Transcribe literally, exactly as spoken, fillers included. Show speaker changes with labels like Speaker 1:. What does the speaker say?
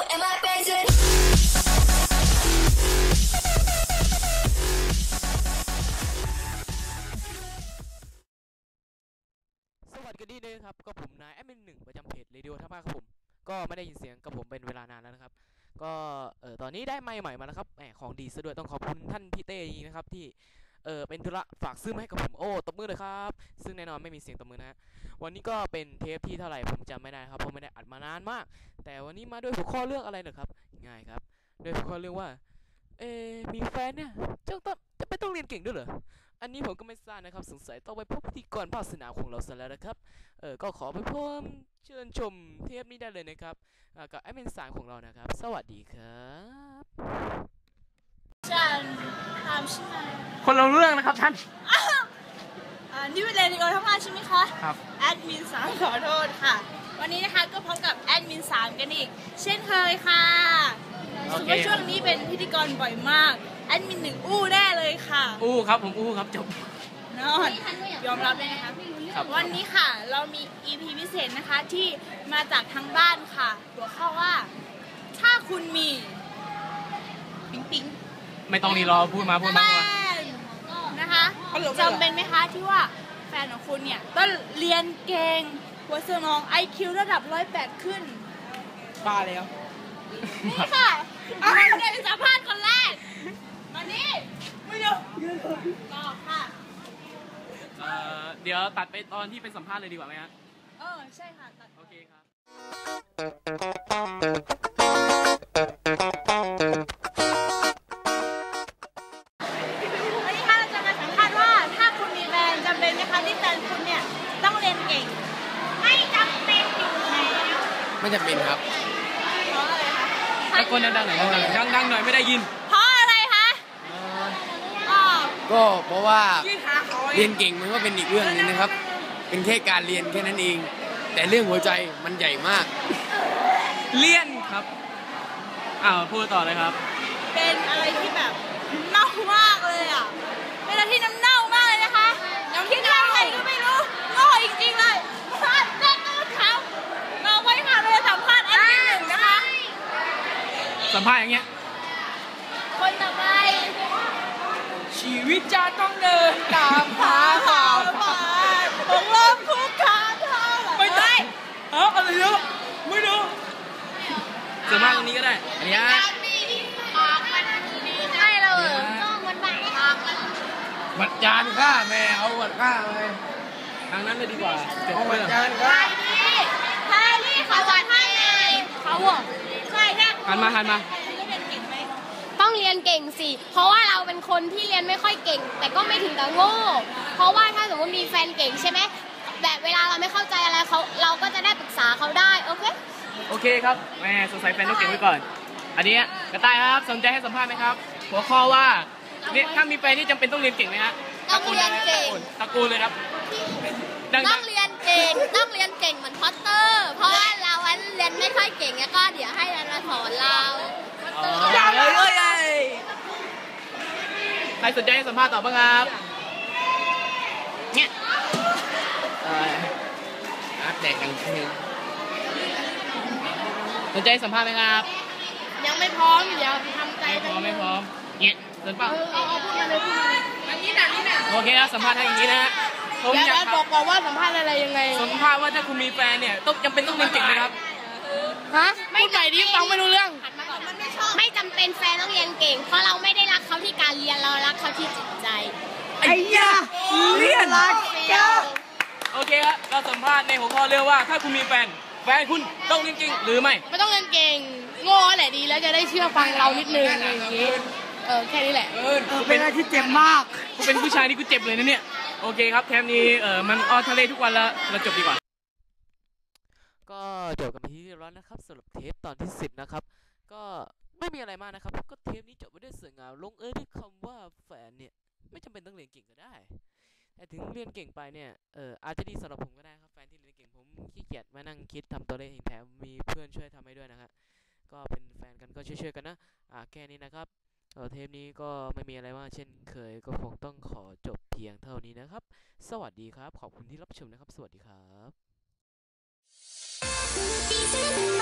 Speaker 1: am I praising?
Speaker 2: สวัสดีด้วยครับก็ผมนายแอดมินหนึ่งประจำเพจเรดิโอท่ามาครับผมก็ไม่ได้ยินเสียงกับผมเป็นเวลานานแล้วนะครับก็เออตอนนี้ได้ไมค์ใหม่มาแล้วครับแหมของดีซะด้วยต้องขอบคุณท่านพี่เต้นะครับที่เออเป็นธุระฝากซื้อมาให้กับผมโอ้ตบมือเลยครับซึ่งแน่นอนไม่มีเสียงตบมือนะฮะวันนี้ก็เป็นเทปที่เท่าไหร่ผมจำไม่ได้ครับเพราะไม่ได้อัดมานานมากแต่วันนี้มาด้วยหัวข้อเรื่องอะไรเหรอครับง่ายครับด้วยหัวข้อเรื่องว่าเอมีแฟนเนี่ยจะต้องจะไม่ต้องเรียนเก่งด้วยเหรออันนี้ผมก็ไม่ทราบนะครับสงสัยต้องไปพบพิธีกรภาคสนามของเราซะแล้วนะครับเออก็ขอไปเพิ่มเชิญชมเทปนี้ได้เลยนะครับกับแอดมินสายของเรานะครับสวัสดีครับ
Speaker 3: ฉันถามใช่ไหม
Speaker 2: คนเราเรื่องนะครับท่าน
Speaker 3: อ่านี่เป็นเรดิโอทั้งวันใช่ไหมคะ
Speaker 2: ครับ
Speaker 3: แอดมินสามขอโทษค่ะวันนี้นะคะก็พบกับแอดมินสามกันอีกเช่นเคยค่ะรู้สึกว่าช่วงนี้เป็นพิธีกรบ่อยมากแอดมินหนึ่งอู้แน่เลยค่ะ
Speaker 2: อู้ครับผมอู้ครับจบ
Speaker 3: นอนยอมรับเลยนะคะวันนี้ค่ะเรามี อี พี พิเศษนะคะที่มาจากทางบ้านค่ะหัวข้อว่าถ้าคุณมีปิ๊งปิ๊ง
Speaker 2: ไม่ต้องรีรอพูดมาพูดมา
Speaker 3: นะคะจำเป็นไหมคะที่ว่าแฟนของคุณเนี่ยต้องเรียนเก่งหัวสมอง ไอ คิว ระดับร้อยแปดขึ้น
Speaker 2: บ้าแล้ว
Speaker 3: นี่ค่ะมาเลยเป็นสัมภาษณ์คนแรกมานี่ไม่เดี๋ยวต่อค่ะ
Speaker 2: เดี๋ยวตัดไปตอนที่เป็นสัมภาษณ์เลยดีกว่าไหมฮะ
Speaker 3: เออใช่ค่ะตัด
Speaker 2: โอเคครับ
Speaker 3: วันนี้ค่ะเราจะมาสัมภาษณ์ว่าถ้าคุณมีแฟนจำเป็นไหมคะที่แฟนคุณเนี่ยต้องเรียนเก่งไม่จำเป็นอยู่แล้ว
Speaker 4: ไม่จำเป็นครับ
Speaker 3: เพราะอะไรคะ
Speaker 2: ตะโกนดังๆหน่อยดังๆหน่อยไม่ได้ยิน
Speaker 3: เพราะอะไรคะ
Speaker 4: ก็เพราะว่าเรียนเก่งมันก็เป็นอีกเรื่องนึงนะครับเป็นแค่การเรียนแค่นั้นเองแต่เรื่องหัวใจมันใหญ่มาก
Speaker 2: เลี่ยนครับอ้าวพูดต่อเลยครับ
Speaker 3: เป็นอะไรที่แบบเน่ามากเลยอ่ะเป็นอะไรที่น้ำเน่ามากเลยนะคะคิดอะไรก็ไม่รู้โง่จริงๆเลยพลาดเล่นต้นเขาเราไว้ค่ะเราจะสัมภาษณ์แอดมินหนึ่งนะคะ
Speaker 2: สัมภาษณ์อย่างเงี้ย
Speaker 3: คนต่อไป
Speaker 2: ชีวิตจะต้องเดินตามหาข่าว
Speaker 3: ผ่านของลมคุกคามเท่า
Speaker 2: ไม่ได้เอ้าอะไรเยอะไม่รู้สัมภาษณ์ตรงนี้ก็ได้อันนี้
Speaker 3: ให้เราต้องมันบังคับ
Speaker 4: วัดจานข้าแม่เอาวัดข้าไป
Speaker 2: ทางนั้นเลยดีกว่า
Speaker 4: เอาวัดจานข้า
Speaker 3: ใช่นี่เขาวัดให้เขาบอกใช่แค่
Speaker 2: หันมาหันมา
Speaker 5: ต้องเรียนเก่งสิเพราะว่าเราเป็นคนที่เรียนไม่ค่อยเก่งแต่ก็ไม่ถึงกับโง่เพราะว่าถ้าสมมติมีแฟนเก่งใช่ไหมแบบเวลาเราไม่เข้าใจอะไรเขาเราก็จะได้ปรึกษาเขาได้โอเค
Speaker 2: โอเคครับแม่สงสัยแฟนต้องเก่งไว้ก่อนอันนี้กระต่ายครับสนใจให้สัมภาษณ์ไหมครับหัวข้อว่าเนี่ยถ้ามีแฟนที่จำเป็นต้องเรียนเก่งไหมฮะ
Speaker 5: ต้องเรียนเก่ง
Speaker 2: ตะกูลเลยครับ
Speaker 5: ต้องเรียนเก่งต้องเรียนเก่งเหมือนพอตเตอร์เพราะว่าเราเรียนไม่ค่อยเก่งแล้วก็เดี๋ยวให้เราสอนเรา
Speaker 2: อย่าเลยเลยใครสนใจให้สัมภาษณ์ต่อบ้างครับเนี่ย
Speaker 4: อัปเดตกันที
Speaker 2: สนใจสัมภาษณ์ไหมครับ
Speaker 5: ยังไม่พร้อมเดี๋ยวทำใจ
Speaker 2: ไม่พร้อมไม่พร้อมเนี่ยสนเปล่า
Speaker 5: เอาเอาพูดมาเลยพูดมาเลย
Speaker 3: อันนี้หนักนี่หนัก
Speaker 2: โอเคครับสัมภาษณ์ให้อย่างนี้นะฮะ
Speaker 5: ผมอยากบอกก่อนว่าสัมภาษณ์อะไรยังไง
Speaker 2: สัมภาษณ์ว่าถ้าคุณมีแฟนเนี่ยต้องจำเป็นต้องเรียนเก่งไหมครับ
Speaker 5: ฮะพูดใหม่ดิฟังไม่รู้เรื่องไม่จำเป็นแฟนต้องเรียนเก่งเพราะเราไม่ได้รักเขาที่การเรียนเรารักเขาที่จิตใจ
Speaker 2: ไอ้ยาเรียนรักเจ้าโอเคครับเราสัมภาษณ์ในหัวข้อเรื่องว่าถ้าคุณมีแฟนแฟนคุณต้องเรียนเก่งหรือไม่
Speaker 5: ไม่ต้องเรียนเก่งโง่แหละดีแล้วจะได้เชื่อฟังเรานิดนึงอย่างนี้เออแค่นี้แหละ
Speaker 2: เออเป็นอะไรที่เจ็บมากกูเป็นผู้ชายนี่กูเจ็บเลยนะเนี่ยโอเคครับเทปนี้เออมันออนทะเลทุกวันแล้วเราจบดีกว่าก็จบกันไปที่เรียบร้อยนะครับสำหรับเทปตอนที่สิบนะครับก็ไม่มีอะไรมากนะครับก็เทปนี้จบไปด้วยสวยงามลงเอยด้วยคำว่าแฟนเนี่ยไม่จำเป็นต้องเรียนเก่งก็ได้แต่ถึงเรียนเก่งไปเนี่ยเอออาจจะดีสำหรับผมก็ได้ครับแฟนที่เรียนเก่งผมขี้เกียจมานั่งคิดทำตัวเลขเองแถมมีเพื่อนช่วยทำให้ด้วยนะครับก็เป็นแฟนกันก็ช่วยๆกันนะอ่าแค่นี้นะครับเทปนี้ก็ไม่มีอะไรมากเช่นเคยก็คงต้องขอจบเพียงเท่านี้นะครับสวัสดีครับขอบคุณที่รับชมนะครับสวัสดีครับ